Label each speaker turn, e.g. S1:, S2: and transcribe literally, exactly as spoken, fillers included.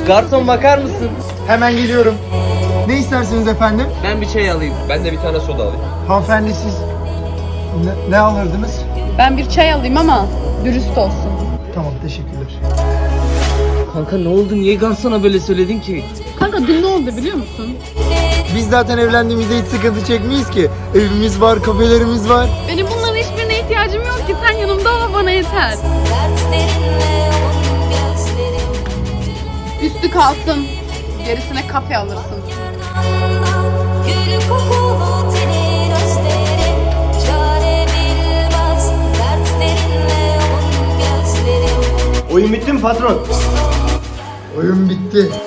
S1: Garson bakar mısın?
S2: Hemen geliyorum. Ne istersiniz efendim?
S1: Ben bir çay alayım.
S3: Ben de bir tane soda alayım.
S2: Hanımefendi siz ne, ne alırdınız?
S4: Ben bir çay alayım ama dürüst olsun.
S2: Tamam, teşekkürler.
S1: Kanka ne oldu? Niye garsona böyle söyledin ki?
S4: Kanka dün ne oldu biliyor musun?
S2: Biz zaten evlendiğimizde hiç sıkıntı çekmeyiz ki. Evimiz var, kafelerimiz var.
S4: Benim bunların hiçbirine ihtiyacım yok ki. Sen yanımda ol, bana yeter. Üstü kalsın. Gerisine kafe alırsın.
S5: Gül kokulu tenin özlerim, çare bilmez dertlerinle yoğun gözlerim.
S6: Oyun bitti mi patron?
S2: Oyun bitti.